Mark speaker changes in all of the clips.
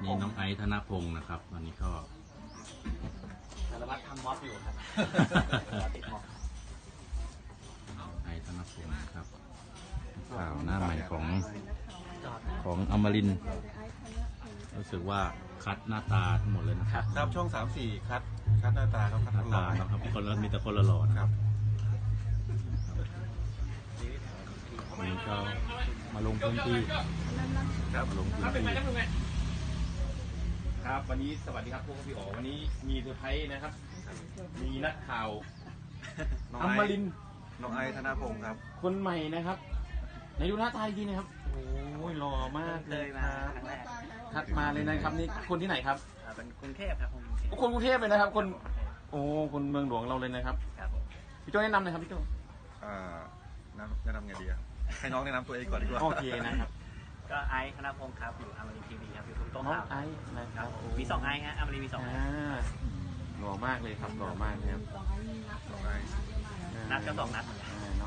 Speaker 1: นี่น้องไอซ์ธนพงศ์นะครับวันนี้ก็
Speaker 2: สารวัตรทำม็อบอยู่ครับติดม็อบ
Speaker 1: ไอซ์ธนพงศ์นะครับข่าวหน้าใหม่ของอมรินทร์รู้สึกว่าคัดหน้าตาทั้งหมดเลยนะครับ
Speaker 3: ครับช่อง3-4คัดหน้าตาครับคัด
Speaker 1: หน้าตานะครับคนละมีแต่คนละหล่อนะครับวันนี้ก็มาลงพื้นที่ครับลงพื้นที่
Speaker 2: ครับวันนี้สวัสดีครับพวกพี่อ๋อวันนี้มีเซอร์ไพรส์นะครับมีนักข่าวอมรินทร์
Speaker 3: น้องไอซ์ธนพงศ์ครับ
Speaker 2: คนใหม่นะครับในดูหน้าตาดีนะครับโอ้ยหล่อมากเลยครับคัดมาเลยนะครับนี่คนที่ไหนครับ
Speaker 4: เป็นกรุงเทพครับ
Speaker 2: คนกรุงเทพเลยนะครับคนโอ้คนเมืองหลวงเราเลยนะครับพี่โจ้แนะนำหน่อยครับพี่โจ้
Speaker 3: แนะนำไงดีอะให้น้องแนะนำตัวเองก่อนดีกว่า
Speaker 2: โอเคนะครับ
Speaker 4: ก็ไอซ์ธนพงศ์ครับอยู่อมรินทร์ทีวีครับอยู่ทุกโต๊ะข่าว
Speaker 2: ไอซ์นะครับ
Speaker 4: มี2ไอซ์ฮะอมรินทร์มี2ไอซ์
Speaker 2: หล่อมากเลยครับหล่อมากนะครับ
Speaker 4: นัดก็2นัด
Speaker 2: น้อง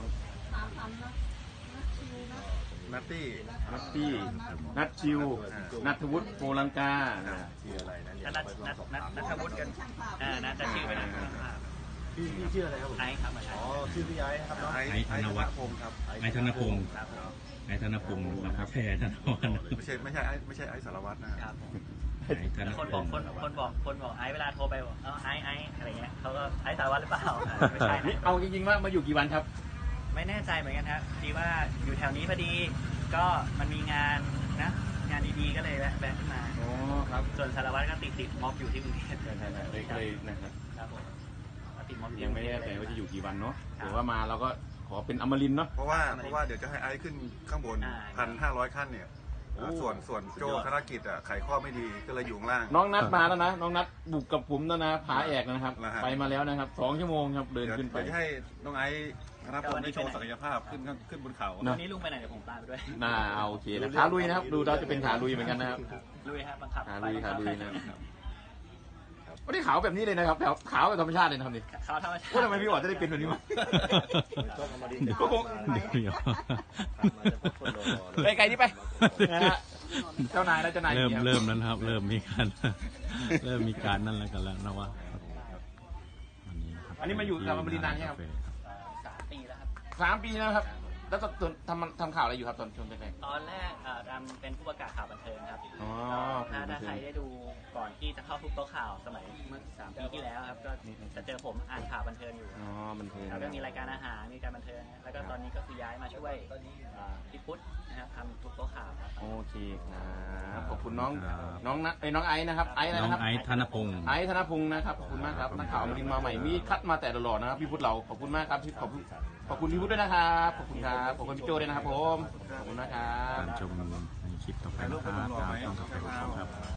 Speaker 3: นัตตี้
Speaker 2: นัทชิวนัทวุฒิโปลังกาชื่ออะไร
Speaker 4: นะนัทวุฒิกันนัทจะชื่อไปนะ
Speaker 3: พี่ชื่ออะไรครับ
Speaker 4: ไอซ์ครับ
Speaker 3: อ๋อชื่อพี่ไอซ์ครับน้องไอซ์ธนพงศ์ครับ
Speaker 1: ไอซ์ธนพงศ์ไอซ์ธนพงศ์นะครับแพ้ธนพงศ์
Speaker 3: ไม่ใช่ไอซ์สารวัตรนะครับ
Speaker 4: คนบอกไอซ์เวลาโทรไปบอกไอซ์อะไรเงี้ยเขาก็ไอซ์สารวัตรหรือเปล่าไม่ใช่
Speaker 2: เอาจริงๆว่ามาอยู่กี่วันครับ
Speaker 4: ไม่แน่ใจเหมือนกันครับดีว่าอยู่แถวนี้พอดีก็มันมีงานนะงานดีๆก็เลยแวะขึ้นมา
Speaker 2: อ๋อครับ
Speaker 4: ส่วนสารวัตรก็ติดม็อบอยู่ที่กรุงเทพ
Speaker 2: เลยนะครับ
Speaker 4: ครับผมติดม็อบ
Speaker 2: ยังไม่แน่ใจว่าจะอยู่กี่วันเนาะหรือว่ามาเราก็ขอเป็นอมรินทร์เนาะ
Speaker 3: เพราะว่าเดี๋ยวจะให้ไอซ์ขึ้นข้างบน 1,500 ขั้นเนี่ยส่วนโจธนกิจไขข้อไม่ดีก็เลยอยู่ข้างล่าง
Speaker 2: น้องนัดมาแล้วนะน้องนัดบุกกับผมแล้วนะผาแอกนะครับไปมาแล้วนะครับ2 ชั่วโมงครับเดินขึ้นไป
Speaker 3: ให้น้องไอซ์นะครับผมได้โชว์ศักยภาพขึ้นบนเขา
Speaker 4: วันนี้ลุงไปไหนเดี๋ยวผมตามไปด้วย
Speaker 2: โอเคนะขาลุยนะครับดูเราจะเป็นขาลุยเหมือนกันนะครับ
Speaker 4: ลุยครับบังคับ
Speaker 2: ขาลุยนะครับวันนี้ขาวแบบนี้เลยนะครับขาวแบบธรรมชาติเลยนะครับนี่
Speaker 4: ขาวธรรมชาติ
Speaker 2: ว่าทำไมพี่อ๋อจะได้เป็นแบบนี้มั้งก็คงไปไกลนี่ไปนะฮะเจ้านายแล้วเจ้านาย
Speaker 1: เริ่มนั้นครับเริ่มมีการนั่นแล้วกันแล้วนะว่า
Speaker 2: อันนี้มาอยู่กับอมรินทร์นานยังครับ
Speaker 4: 3 ปีแล้วครับ
Speaker 2: 3 ปีนะครับแล้วทำข่าวอะไรอยู่ครับตอนช่วงแรก
Speaker 4: ตอนแรกเป็นผู้ประกาศข่าวบันเทิงครับถ้าใครได้ดูก่อนที่จะเข้าทุกโต๊ะข่าวสมัยเมื่อ3 ปีที่แล้วครับก็จะเจอผมอ่านข่าวบันเทิงอยู่
Speaker 2: บันเทิง
Speaker 4: แล้วก็มีรายการอาหารมีการบันเทิงแล้วก็ตอนนี้ก็คือย้ายมาช่วยพี่พุทธนะครับทำทุกโต๊ะข่าวครับ
Speaker 2: โอเคครับขอบคุณน้องไอซ์นะครับไอซ์อะไรนะครับ
Speaker 1: ไอซ์ธนพงศ์
Speaker 2: นะครับขอบคุณมากครับนักข่าวอมรินทร์มาใหม่มีคัดมาแต่หล่อๆนะครับพี่พุทธเราขอบคุณมากครับขอบคุณพี่พุทธด้วยนะครับขอบคุณครับขอบคุณพี่โจด้วยนะครับผมขอบคุณนะครับ
Speaker 1: ชมในคลิปต่อไปนะครับต้องขอบคุณครับ